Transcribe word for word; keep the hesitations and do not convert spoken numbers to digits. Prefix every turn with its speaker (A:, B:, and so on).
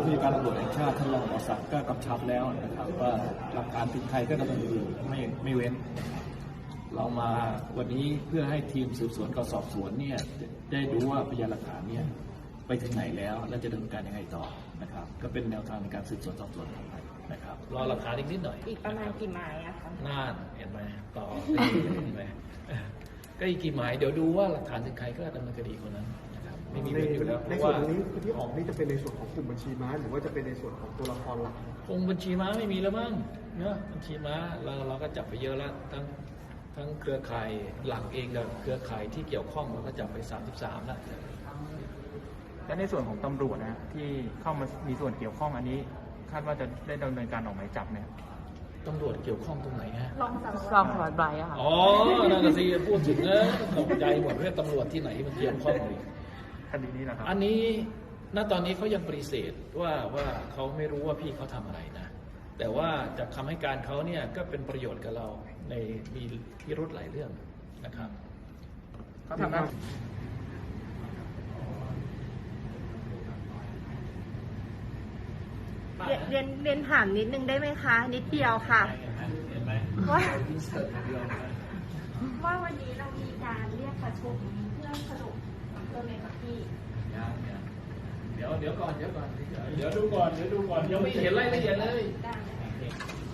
A: ผู้จัดการตำรวจแห่งชาติท่านรองหมอศักดิ์ก็กำชับแล้วนะครับว่าหลักฐานถึงใครก็ดำเนินคดีไม่ไม่เว้นเรามาวันนี้เพื่อให้ทีมสืบสวนกับสอบสวนเนี่ยได้ดูว่าพยานหลักฐานเนี่ยไปถึงไหนแล้วและจะดำเนินการยังไงต่อนะครับก็เป็นแนวทางในการสืบสวนสอบสวนต่อไปนะครับรอหลักฐานอีกนิดหน่อย
B: อีกประมาณกี่หมายอะคะ
A: น่านเห็นไหมต่อเห็นไหมก็อีกกี่หมายเดี๋ยวดูว่าหลักฐานถึงใครก็ดำเนินคดีคนนั้นนะครับไม่มีเว้นอยู่แล้ว
C: ในส่วนตรงนี้ที่ออกนี่จะเป็นในส่วนของกลุ่มบัญชีม้าหรือว่าจะเป็นในส่วนของตัวละครหลัก
A: คงบัญชีม้าไม่มีแล้วมั้งเนาะบัญชีม้าเราเราก็จับไปเยอะแล้วทั้งทั้งเครือข่ายหลักเองกับเครือข่ายที่เกี่ยวข้องเราก็จับไปสามสิบสามแล้ว
D: และในส่วนของตำรวจนะที่เข้ามามีส่วนเกี่ยวข้องอันนี้คาดว่าจะได้ดำเนินการออกหมายจับเนี่ย
A: ตำรวจเกี่ยวข้องตรงไหนฮะ
B: รองสารวัตร
E: รองสารวัตรไบรท์อะค่ะ
A: อ๋อนั่นสิพูดถึงนะตกใจหมดเรื่องตำรวจที่ไหนมันเกี่ยวข้องเลย
D: คดีนี้นะครับ
A: อันนี้ณตอนนี้เขายังปฏิเสธว่าว่าเขาไม่รู้ว่าพี่เขาทำอะไรนะแต่ว่าจากคำให้การเขาเนี่ยก็เป็นประโยชน์กับเราในมีพิรุธหลายเรื่องนะครับ
D: เขาทำได้
B: เรียนเรียนถามนิดนึงได้ไหมคะนิดเดียวค่ะว่าว่าวันนี้เรามีการเรียกประชุมเพื่อสรุปตัวเลขกับพี่
A: เดี๋ยวเดี๋ยวก่อนเดี๋ยวก่อนเดี๋ยวดูก่อนเดี๋ยวดูก่อนยังไม่เห็นรายละเอียดเลย